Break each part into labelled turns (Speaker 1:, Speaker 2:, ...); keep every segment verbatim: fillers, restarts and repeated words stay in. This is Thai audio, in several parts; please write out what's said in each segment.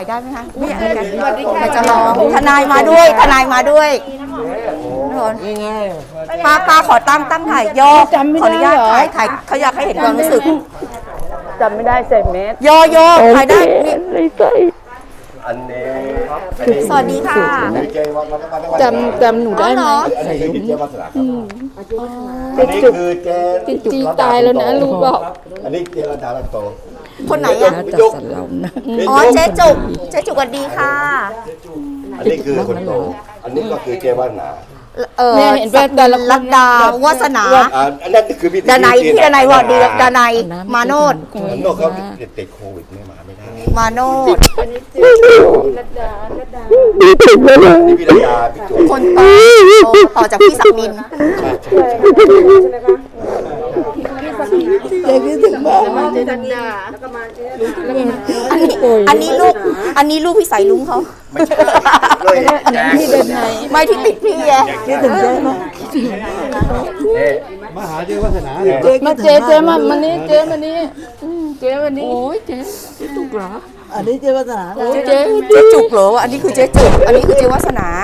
Speaker 1: อยได้ไหมคะไม่อยากอยากจะลองทนายมาด้วยทนายมาด้วยป้าป้าขอตั้งตั้งถ่ายย่อขออนุญาตถ่ายถ่ายเขาอยากให้เห็นความรู้สึก
Speaker 2: จำไม่ได้ใส่เมส
Speaker 1: ย่อย่อถ่ายได้
Speaker 3: อันนี้
Speaker 1: สวัสดีค่ะ
Speaker 2: จำจำหนูได้ไหม
Speaker 3: อันนี้คือเจ๊วัฒนาครับ
Speaker 2: อันนี้คือเจ๊จีตายแล้วนะลูกบอก
Speaker 3: อันนี้เจ๊รัตนาโต
Speaker 1: คนไหนอ่ะอ๋อเจ๊จุกเจ๊จุกสวัสดีค่ะ
Speaker 3: อันนี้คือคนโตอันนี้ก็คือเจ๊วัฒนา
Speaker 1: เออเห็นว่าแต่ละลัดดาวาสนา
Speaker 3: อันนั้นคือพี่
Speaker 1: ดานายพี่ดานายว่าดีดานายมาโนด
Speaker 3: มาโนดเขาติดโควิดไม่มาไม่ได้
Speaker 1: มาโนด
Speaker 2: ลัดดาลัดดา
Speaker 3: นี่พี่รัตนาพี่จุก
Speaker 1: คนต่อต่อจากพี่ศักดิน
Speaker 2: เจ๊คิดถึงมากเจ๊ดันดา
Speaker 1: อันนี้อันนี้ลูกอันนี้ลูกพี่สายลุงเขา
Speaker 2: พี่เดินไหน
Speaker 1: ไม่ที่ติดพี่ไง
Speaker 2: คิดถึงเจ๊ไหม
Speaker 3: มาหาเจ๊วัฒนา
Speaker 2: มาเจ๊เจ๊มามันนี้เจ๊มานี้เจ๊วันนี้โอ้ยเจ๊เจ๊จุกเหรอ
Speaker 4: อันนี้เจ๊วัฒนา
Speaker 1: เจ๊เจ๊จุกเหรออันนี้คือเจ๊จุกอันนี้คือเจ๊วัฒนา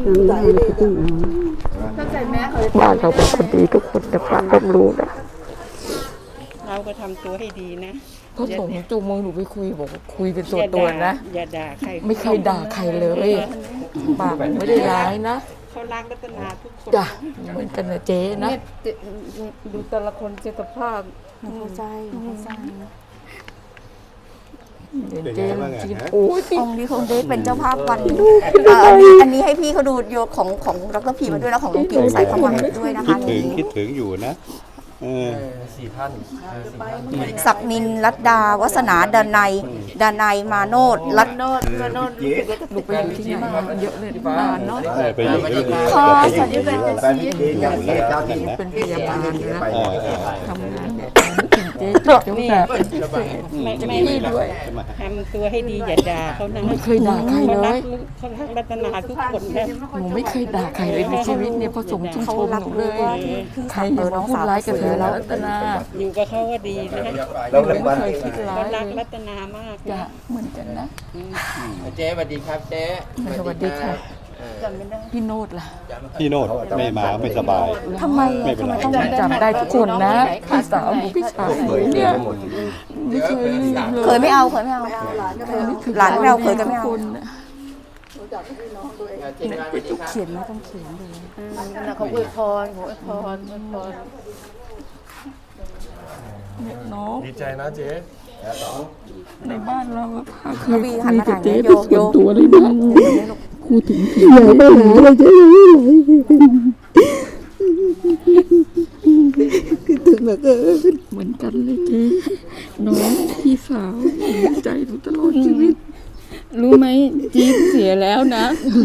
Speaker 2: บ้านเราเป็นคนดีทุกคนแต่ป้าต้องรู้นะ
Speaker 5: เราก็ทำตัวให้ดีนะ
Speaker 2: เขาส่งจูงมือหนูไปคุยบอกคุยเป็นตัวตัวนะ
Speaker 5: อย่าด่าใคร
Speaker 2: ไม่เคยด่าใครเลยปากไม่ได้ร้ายนะ
Speaker 5: เขารักรัตนาทุกคน
Speaker 2: จ้ะเหมือนกันนะเจ๊นะ
Speaker 5: ดูแต่ละคนเจตภาพ
Speaker 1: เข้าใจเข้าใจ
Speaker 2: เจ๊จีนโอ้ย
Speaker 1: องค์นี้คงได้เป็นเจ้าภาพวันอันนี้อันนี้ให้พี่เขาดูโยของของดรพีมาด้วยแล้วของลุงกิ่งใส่เข้ามาด้วยนะคะ
Speaker 3: คิดถึงคิดถึงอยู่นะสี่ท่าน
Speaker 1: ศักนินรัตดาวัฒนาดานายดานายมาโนดรัตโนดมาโนด
Speaker 2: ลูกไปอยู่ที่ไหนเยอะเลยนานเนาะ
Speaker 3: ไปอยู่ที่ไหน
Speaker 1: ขอสวัสดีค่ะ
Speaker 2: เป็นพยาบาลนะทำงานเจ๊จบนี่
Speaker 5: ไม่ไม่ด้วยทำตัวให้ดีอย่าด่าเขานะ
Speaker 2: ไม่เคยด่าใครเลย
Speaker 5: เขารักรัตนาทุกคนนะ
Speaker 2: หนูไม่เคยด่าใครเลยในชีวิตเนี่ยพอสมชุ่มชมหนูเลยใครอย่ามาพูดร้ายกับเธอแล้วรัตนา
Speaker 5: อยู่กับเขาก็ดีนะ
Speaker 2: เราไม่เคยคิดร้าย
Speaker 5: เขารักรัตนามาก
Speaker 2: จ้ะเหมือนกันนะ
Speaker 6: เจ๊สวัสดีครับเจ๊
Speaker 2: สวัสดีค่ะพี่โนดล่ะ
Speaker 3: พี่โนดไม่มาไม่สบาย
Speaker 1: ทำไม
Speaker 3: ทำไม
Speaker 1: ต้อง
Speaker 2: จำได้ทุกคนนะพี่สาวพี่ชายเนี่ยไม่เคย
Speaker 1: เคยไม่เอาเคยไม่เอาหลานไม่เอาเคยก็ไม่เอาเขียนไม่ต้องเขียนเลย
Speaker 2: เขาอวยพรเขาอวยพรอวยพรน้อง
Speaker 6: ดีใจนะเจ๊
Speaker 2: ในบ้านเรา
Speaker 1: เคยคุยกับเจ๊
Speaker 2: เป็นส่วนตัวเลยนะพูดถึงพี่ใหญ่ไม่หาเลยเจ๊
Speaker 4: คิดถึงเหลือเกิน
Speaker 2: เหมือนกันเลยเจ๊น้องพี่สาวใจหนูตลอดชีวิตรู้ไหมจี๊ดเสียแล้วนะ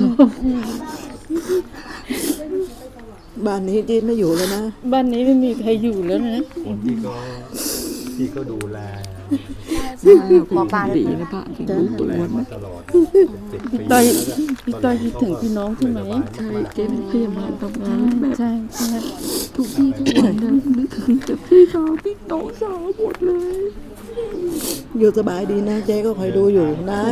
Speaker 4: บ้านนี้จี๊ดไม่อยู่แล้วนะ
Speaker 2: บ้านนี้ไม่มีใครอยู่แล้วนะ
Speaker 3: คนที่ก็ที่ก็ดูแล
Speaker 1: หมอปลา
Speaker 2: ดีนะป้า
Speaker 3: ดูแลมาตลอด
Speaker 2: พี่ต้อยพี่ต้อยคิดถึงพี่น้องใช่ไหมใช่เจ๊เป็นพยาบาลทำงานแบบใช่ใช่ทุกที่ทุกวันนะนึกถึงแต่พี่สาวพี่น้องสาวหมดเลย
Speaker 4: อยู่สบายดีนะเจ๊ก็คอยดูอยู่นะ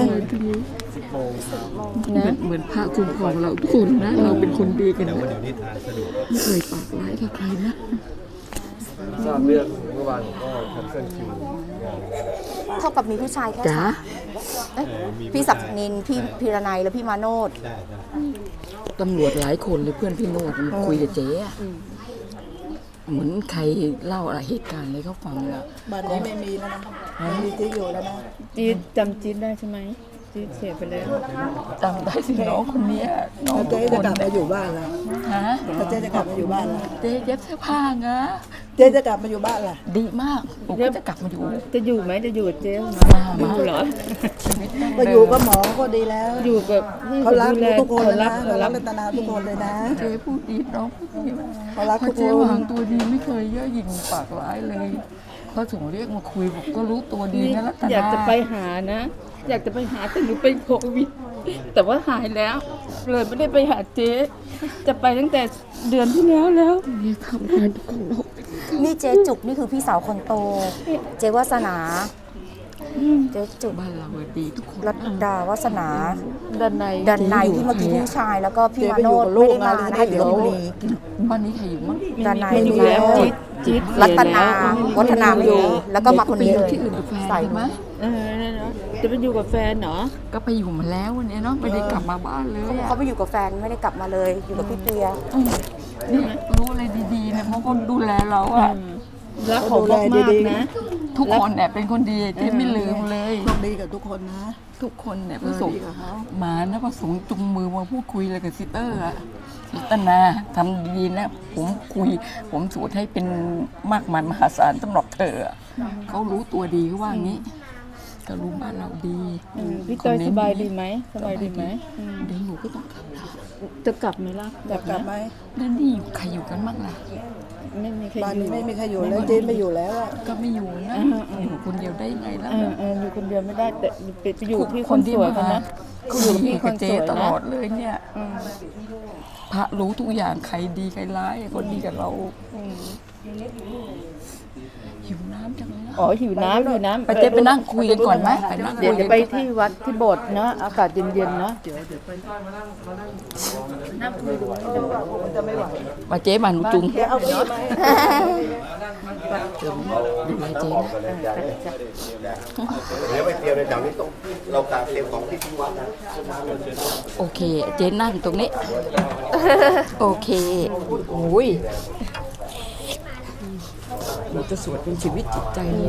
Speaker 2: นะเหมือนพระคุ้มครองเราทุกคนนะเราเป็นคนดีกันนะไม่เคยปากร้ายกับใครนะ
Speaker 6: ทราบเรื่องเมื่อวานก็แคนเซิลคิว
Speaker 1: เท่ากับมีผู้ชายแค่
Speaker 2: จ้า
Speaker 1: พี่ศักนินพี่พีรนัยและพี่มาโนด
Speaker 2: ตำรวจหลายคนเลยเพื่อนพี่โนดมันคุยกับเจ๊เหมือนใครเล่าอะไรเหตุการณ์อะไรเขาฟังอะ
Speaker 4: บ้านนี้ไม่มีแล้วนะไม่มีที่อยู่แล้วนะ
Speaker 2: จี๊ดจำจี๊ดได้ใช่ไหมจี๊ดเสียไปแล้วจำได้สิน้องคนนี้น้อง
Speaker 4: เจ๊จะกลับมาอยู่บ้านแล้ว
Speaker 2: ฮะ
Speaker 4: เจ๊จะกลับมาอยู่บ้านแล้ว
Speaker 2: เจ๊เย็บเสื้อผ้าไง
Speaker 4: เจ๊จะกลับมาอยู่บ้านล่ะ
Speaker 2: ดีมากผมก็จะกลับมาอยู่
Speaker 5: จะอยู่ไหมจะอยู่เจ๊
Speaker 2: มามาเหรอ
Speaker 4: มาอยู่กับหมอก็ดีแล้ว
Speaker 5: อยู่กับ
Speaker 4: เขารักทุกคนเลยนะเขารักรัตนาทุกคนเลยนะ
Speaker 2: เจ๊พูดดีน้อง
Speaker 4: เขารักทุกคน
Speaker 2: เจ๊วางตัวดีไม่เคยเย่อหยิ่งปากร้ายเลยเขาถึงเรียกมาคุยบอกก็รู้ตัวดีนะรัตนา
Speaker 5: อยากจะไปหานะอยากจะไปหาแต่หนูเป็นโควิดแต่ว่าหายแล้วเลยไม่ได้ไปหาเจ๊จะไปตั้งแต่เดือนที่แล้วแล้ว
Speaker 2: นี่ทำงานของเรา
Speaker 1: นี่เจ๊จุกนี่คือพี่สาวคนโตเจ๊วาสนาเจ๊จุก
Speaker 2: บ้านเราดีทุกคน
Speaker 1: รัตดาวาสนา
Speaker 5: ด้านใน
Speaker 1: ดันในที่เมื่อกี้พี่ชายแล้วก็พี่มาโนดไม่ได้มานะคะอยู่ลพบุรี
Speaker 2: บ้านนี้ใครอยู่มั้ง
Speaker 1: ดันใน
Speaker 5: ไม่อยู่
Speaker 1: พี่
Speaker 5: แล้ว
Speaker 1: มาโน
Speaker 5: จี๊
Speaker 1: ด
Speaker 5: ดจี๊ด
Speaker 1: รัตนาวัฒนาไม่อยู่แล้วก็มาคนนี้เลย
Speaker 2: ที่อื่นกับแฟน
Speaker 1: ใส่
Speaker 2: ใช่ไหม
Speaker 5: เออนั่นเนาะจะไปอยู่กับแฟนเหรอ
Speaker 2: ก็ไปอยู่มาแล้ววันนี้เนาะไม่ได้กลับมาบ้านเลยอะ
Speaker 1: เขาไปอยู่กับแฟนไม่ได้กลับมาเลยอยู่กับพี่เปีย
Speaker 2: นี่รู้อะไรดีๆเนี่ยเพราะคนดูแลเราอะ
Speaker 5: รักเขามากมากๆนะ
Speaker 2: ทุกคนเนี่ยเป็นคนดีที่ไม่ลืมเลย
Speaker 4: โชคดีกับทุกคนนะ
Speaker 2: ทุกคนเนี่ยพระสงฆ์มานะพระสงฆ์จุงมือมาพูดคุยอะไรกับซิสเตอร์อะซิสเตอร์นาทำดีนะผมคุย ผมสวดให้เป็นมากมายมหาศาลสำหรับเธออะเขารู้ตัวดีเขาว่างี้ ก็รู้บ้านเราดี
Speaker 5: พี่เต้ยสบายดีไหมสบายดีไหม
Speaker 2: เดี๋ยวหนูก็ต้องกลับละ
Speaker 5: จะกลับไหมล่ะ
Speaker 4: อยากกลับไหม
Speaker 2: แล้วนี่อยู่ใครอยู่กันบ้างล่ะ
Speaker 5: ไม่มีใคร
Speaker 4: บ้าน
Speaker 5: อยู่
Speaker 4: นี้ไม่มีใครอยู่แล้วเจ๊ไม่อยู่แล้วอะ
Speaker 2: ก็ไม่อยู่นะอยู่คนเดียวได้ไงล่ะ
Speaker 5: เออเอออยู่คนเดียวไม่ได้แต่ไปไปอยู่พี่ค
Speaker 2: คน
Speaker 5: น
Speaker 2: ที่
Speaker 5: สวย
Speaker 2: มา
Speaker 5: กันนะ
Speaker 2: เขา
Speaker 5: อยู่
Speaker 2: อยู่
Speaker 5: กับพี่
Speaker 2: พี่
Speaker 5: ค
Speaker 2: กับ
Speaker 5: น
Speaker 2: เจ
Speaker 5: สวย
Speaker 2: ต
Speaker 5: นะ
Speaker 2: ลอดเลยเนี่ย
Speaker 5: อืม
Speaker 2: พระรู้ทุกอย่างใครดีใครร้ายคนดีกับเรา
Speaker 5: อืม
Speaker 2: หิวน้ำจังเลยนะ
Speaker 5: อ๋อหิวน้ำหิวน้ำ
Speaker 2: ไปเจ๊ไปนั่งคุยกันก่อนไหมไปนั่งคุ
Speaker 5: เดี๋ยวย
Speaker 2: กั
Speaker 5: จะ
Speaker 2: น
Speaker 5: ไปที่วัดที่โบสถ์เนาะอากาศเย็นๆเนาะเดี๋ยวเดี๋ยวไป
Speaker 2: มาเจ๊มาหนูจุง
Speaker 4: เจ๊เอาพี่ไหม
Speaker 2: ดูแลเจ๊นะ
Speaker 3: เดี๋ยวไปเตรียมในแถวนี้ต้องเราการเตรียมของที่ที่วัดนะ
Speaker 2: โอเค เจ๊นั่งตรงนี้ โอเคโอ้ยเราจะสวดเป็นชีวิตจิตใจเลย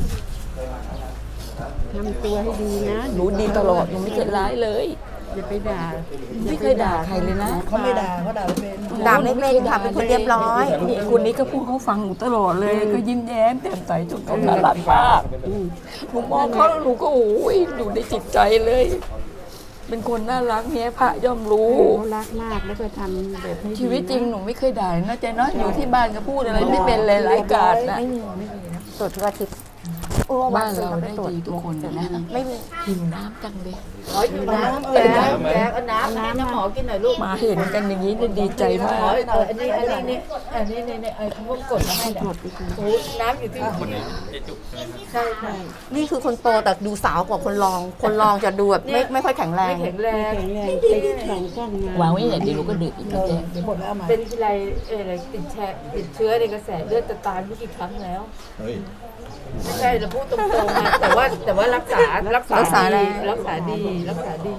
Speaker 7: ทำตัวให้ดีนะ
Speaker 2: หนูดีตลอดหนูไม่เคยร้ายเลย
Speaker 7: อย่าไปด่า
Speaker 2: ไม่เคยด่าใครเลยนะ
Speaker 4: เขาไม่ด่าเขาด่าไม่เป็น
Speaker 1: ด่าไม่เป็นค่ะเป็นคนเรียบร้อย
Speaker 2: นี่คนนี้ก็พูดเขาฟังหนูตลอดเลย ก็ยิ้มแย้มแจ่มใสจนเขาน่ารักมากหนูมองเขาแล้วหนูก็โอ้ยอยู่ในจิตใจเลย เป็นคนน่ารักเนี้ยพระย่อมรู้
Speaker 7: เขารักมากแล้วก็ทำแบบให้ดี
Speaker 2: ชีวิตจริงหนูไม่เคยด่าเลยนะเจ๊เนาะอยู่ที่บ้านก็พูดอะไรไม่เป็นเลยรายการนะ
Speaker 1: ไม่มีไม่มีนะตรวจทุกอาทิตย์โอ้
Speaker 2: บ้าน
Speaker 1: ซื้อ
Speaker 2: เรา
Speaker 1: ม
Speaker 2: ได้
Speaker 1: ตรวจ
Speaker 2: ดีทุกคนนะ
Speaker 1: ไม่มี
Speaker 2: หิวน้ำจังเลย
Speaker 5: น้ำแกแกเอาน้ำน้ำหมอกินหน่อยลูก
Speaker 2: มาเห็นกันอย่างนี้เนี่ยดีใจมาก
Speaker 5: เอออันนี้อันนี้นี่อันนี้นี่นี่ไอ้เขาพวกกดมาให้เนี่ยโอ้ยน้ำอยู่ที่ใช่ใช่
Speaker 1: นี่คือคนโตแต่ดูสาวกว่าคนรอง คนรองจะดูแบบไม่ไม่ค่อยแข็งแรง
Speaker 5: ไม่แข็งแรง
Speaker 7: แข็งแรงติดสองกล้องมาว
Speaker 2: างไว้อย่างเดียวหนูก็ดื่มอีกนะเจ๊
Speaker 4: หมดแล้วไหม
Speaker 5: เป็นทีไรเอออะไรติดแชร์ติดเชื้อในกระแสเลือดจะตายไม่กี่ครั้งแล้วไม่ใช่เราพูดตรงๆนะแต่ว่าแต่ว่ารักษารักษา
Speaker 1: รักษาแล้
Speaker 5: ดี
Speaker 1: ว
Speaker 5: รักษาดีรักษาดี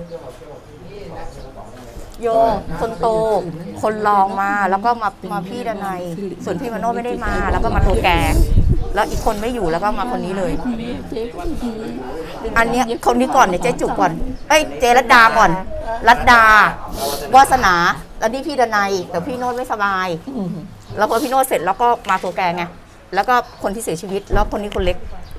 Speaker 1: โยคนโต คนรองมาแล้วก็มามาพี่ดนัยส่วนพี่มาโนไม่ได้มา แล้วก็มาตัวแกแล้วอีกคนไม่อยู่แล้วก็มาคนนี้เลย
Speaker 2: เจ๊ก็ดี
Speaker 1: อันเนี้ยคนนี้ก่อนเนี่ยเจ๊จุกก่อนเอ้ยเจรัตดาก่อน รัตดาวาสนาแล้วนี่พี่ดนัยแต่พี่โนดไม่สบาย
Speaker 2: อืม
Speaker 1: แล้วพอพี่โนดเสร็จแล้วก็มาตัวแกไงแล้วก็คนที่เสียชีวิต แล้วคนนี้คนเล็ก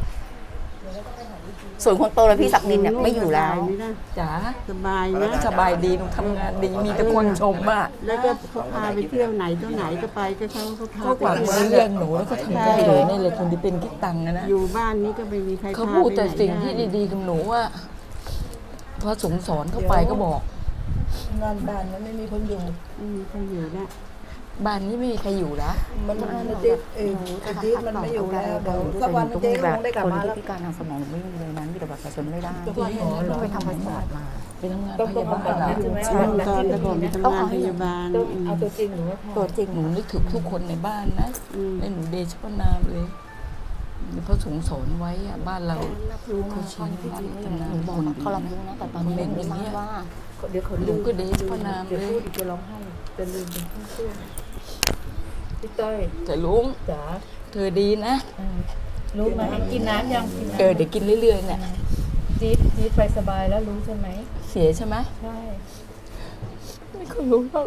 Speaker 1: ส่วนคนโตเลยพี่ศักดินเนี่ยไม่อยู่แล้ว
Speaker 7: สบาไหมล่ะ
Speaker 2: จ๋า
Speaker 7: สบายนะ
Speaker 2: สบายดีหนูทำงานดีมีแต่คนชมอ่ะ
Speaker 7: แล้วก็เขาพาไปเที่ยวไหนตัวไหนก็ไปก็เขาเขาพา
Speaker 2: เขา
Speaker 7: ไป
Speaker 2: ฝากมาเลี้ยงหนูแล้วก็ทำได้เลยนี่เลยคนที่เป็นคิดตังค์นะนะ
Speaker 7: อยู่บ้านนี้ก็ไม่มีใคร
Speaker 2: เขา
Speaker 7: พา
Speaker 2: พูด
Speaker 7: ไป
Speaker 2: แต่
Speaker 7: ไหน
Speaker 2: สิ่งที่
Speaker 7: ได้
Speaker 2: ดีๆกับหนูว่าพระสงฆ์สอนเข้าไปก็บอก
Speaker 4: งานบ้านมันไม่มีคนอยู่
Speaker 7: ไม่มีใครอยู่ละ
Speaker 2: บ้านนี้ไม่มีใครอยู่ละ
Speaker 4: มันมันเจ๊เองไอ้จี๊ดมันไม่อยู่แล้วเดี๋ยวสักวันเจ๊ก็คงได้กลับ
Speaker 1: คน
Speaker 4: มา
Speaker 1: ที่
Speaker 4: แล้ว
Speaker 1: พิการทางสมองไม่มีเลยนั้นมีแต่บัตรประชาชนไม่ได้
Speaker 4: จะไปหาเหรอ
Speaker 1: ไปทำพาสปอร์ตมา
Speaker 2: ไปทำงาน
Speaker 5: ต้อง
Speaker 2: พ
Speaker 5: ต้อง
Speaker 2: ยา
Speaker 5: บำ
Speaker 2: บา
Speaker 5: บั
Speaker 2: ล
Speaker 5: ด
Speaker 2: อะ
Speaker 5: นะใช่ไหม
Speaker 7: ตอนตอนแต่ผมไปทำงานพยาบาล
Speaker 5: ต้อง
Speaker 7: อืม
Speaker 5: เอาตัวจริงหรือว่า
Speaker 1: ตัวจริง
Speaker 2: หนูนึกถึงทุกคนในบ้านนะ
Speaker 7: อืม
Speaker 2: และหนูเดชพระนามเลยพระสงฆ์สอนไว้อะบ้านเราเขาชี้บ้านพัฒนา
Speaker 1: หนูบอก
Speaker 2: คน
Speaker 1: เขารับรู้นะแต่ตอนนี้ยังไม่ทราบว่า
Speaker 5: เดี๋ยวเขา
Speaker 2: หนูก็เดชพระนาม
Speaker 5: เดี๋ยว
Speaker 2: เล
Speaker 5: พู
Speaker 2: ย
Speaker 5: ดอีกจะร้องไห้จะลืมเป็นช่วงพี่ต้อย
Speaker 2: แต่ลุง
Speaker 5: จ๋า
Speaker 2: เธอดีนะ
Speaker 5: รู้ไหมกินน้ำยังกินน้ำ
Speaker 2: เออเดี๋ยวกินเรื่อยๆเนี่ย
Speaker 5: จี๊ดจี๊ดไปสบายแล้วรู้ใช่ไหม
Speaker 2: เสียใช่ไหม
Speaker 5: ใช่
Speaker 2: ไม่เคยรู้หรอก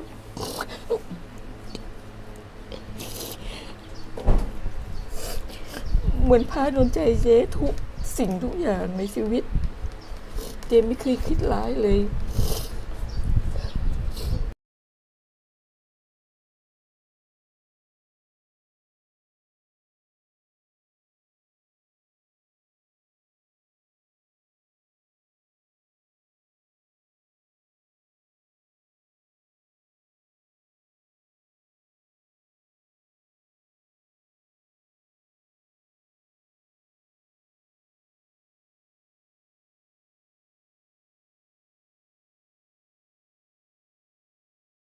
Speaker 2: เหมือนพาโดนใจเจ๊ทุกสิ่งทุกอย่างในชีวิต เจ๊ไม่เคยคิดร้ายเลย